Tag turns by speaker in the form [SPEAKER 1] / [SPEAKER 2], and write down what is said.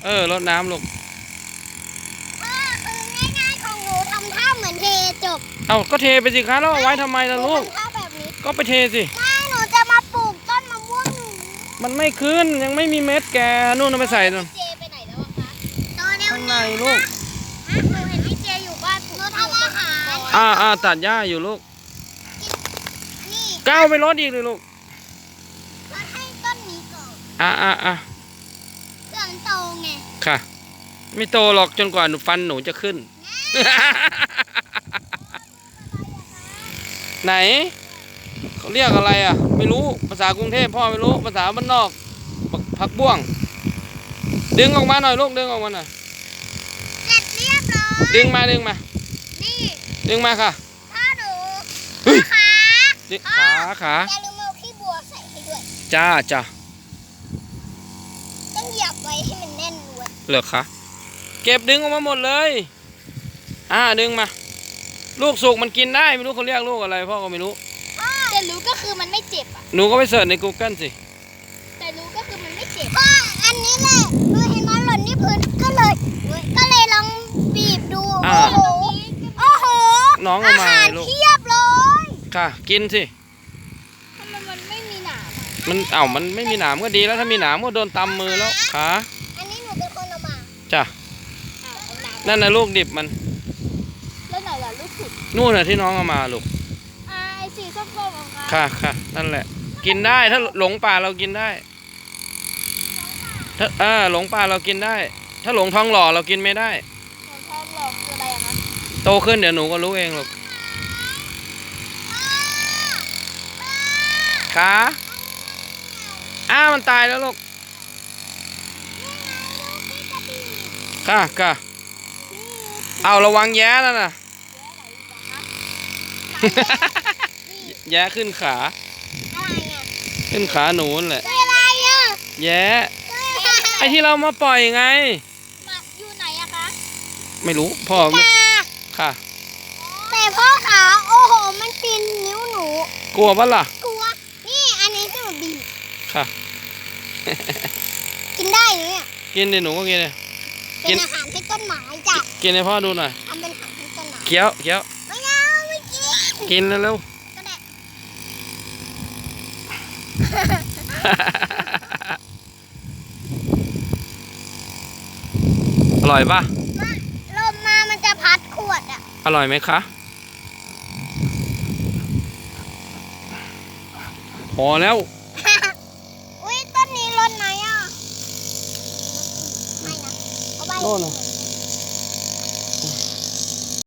[SPEAKER 1] รดน้ำลูก
[SPEAKER 2] คือง่ายๆของหนูทำท่าเหมือนเทจบ
[SPEAKER 1] ก็เทไปสิคะแล้วเอาไว้ทำไมล่ะลูก
[SPEAKER 2] ทำท่าแบบนี้
[SPEAKER 1] ก็ไปเทสิ
[SPEAKER 2] ไม่หนูจะมาปลูกต้นมะม่วงหนู
[SPEAKER 1] มันไม่ขึ้นยังไม่มีเม็ดแกนู่นเอาไปใส่นู่น
[SPEAKER 2] เจไปไหนแล้วคะตอนนี้
[SPEAKER 1] ข้างในลูก
[SPEAKER 2] หนูเห็นพี่เจอยู่บ้านหนูทำอาหาร
[SPEAKER 1] ตัดหญ้าอยู่ลูก
[SPEAKER 2] นี่
[SPEAKER 1] ก้าวไปรดอีกเลยลูก
[SPEAKER 2] รดให้ต้นนี้ก่อนเครื่องโตไง
[SPEAKER 1] ค่ะไม่โตหรอกจนกว่าฟันหนูจะขึ้น ไหนเขาเรียกอะไรไม่รู้ภาษากรุงเทพพ่อไม่รู้ภาษาบ้านนอกผักบ้วงดึงออกมาหน่อยลูกดึงออกมาหน่อย
[SPEAKER 2] เสร็จเรียบร้อย
[SPEAKER 1] ดึงมานี่ดึงมาค่ะ
[SPEAKER 2] พ่อดู
[SPEAKER 1] ขา
[SPEAKER 2] อย่าลืมเอาขี้บัวใส่ให้ด้วย
[SPEAKER 1] จ้า
[SPEAKER 2] ต้องเหยียบไว้ให้มันแน่นด้วย
[SPEAKER 1] เหรอคะเก็บดึงออกมาหมดเลยดึงมาลูกสุกมันกินได้ไม่รู้เขาเรียกลูกอะไรพ่อก็ไม่รู้
[SPEAKER 2] แต่รู้ก็คือมันไม่เจ็บ
[SPEAKER 1] หนูก็ไปเสิร์ชใน Google สิ
[SPEAKER 2] แต่รู้ก็คือมันไม่เจ็บอันนี้แหละหนูเห็นมันหล่นที่พื้นก็เลยลองบีบดูโอ้โห
[SPEAKER 1] น้องเอามาลูก
[SPEAKER 2] เทียบเลย
[SPEAKER 1] ค่ะกินสิ
[SPEAKER 2] ทำไมมันไม่มีหนาม
[SPEAKER 1] มันไม่มีหนามก็ดีแล้วถ้ามีหนามก็โดนตำมือแล้วขา
[SPEAKER 2] อันนี้หนูเป็นคนเอามา
[SPEAKER 1] จ้ะนั่นนะลูกดิบมัน
[SPEAKER 2] แล้วไหนล่ะลูกสุด
[SPEAKER 1] นู่นน่ะที่น้องเอามาลูก
[SPEAKER 2] ไอ้สีส้มๆของเขา
[SPEAKER 1] ค่ะนั่นแหละกินได้ถ้าหลงป่าเรากินได้ถ้าหลงป่าเรากินได้ถ้าหลงท้องหล่อเรากินไม่ได้
[SPEAKER 2] ท้องหล่อคืออะไรคะ
[SPEAKER 1] โตขึ้นเดี๋ยวหนูก็รู้เองลูกขามันตายแล้วลูกค่ะเอาระวังแย้นั่นน่ะแย้ขึ้นขาขึ้นขาหนูนั่นแหละแย้ไอที่เรามาปล่อยไง
[SPEAKER 2] อยู่ไหนอะคะ
[SPEAKER 1] ไม่รู้พ่อค่ะ
[SPEAKER 2] แต่พ่อขาโอ้โหมันปีนนิ้วหนู
[SPEAKER 1] กลัวปะล่ะ
[SPEAKER 2] กลัวนี่อันนี้จะบีบ
[SPEAKER 1] ค่ะ
[SPEAKER 2] กินได้เนี่ย
[SPEAKER 1] กินดิหนูก็กินเลย
[SPEAKER 2] เป็นอาหารให้ต้นไม้จ้ะ
[SPEAKER 1] กินให้พ่อดูหน่อย
[SPEAKER 2] ทำเป็นอาหารให้ต้นไม้
[SPEAKER 1] เคี้ยว
[SPEAKER 2] ไม่เอาไม่
[SPEAKER 1] กินเร็วอร่อยปะ
[SPEAKER 2] ลมมามันจะพัดขวด
[SPEAKER 1] อร่อยไหมคะพอแล้ว
[SPEAKER 2] อุ้ยต้นนี้รดไหนไม่นะเอาใบ
[SPEAKER 1] โน่น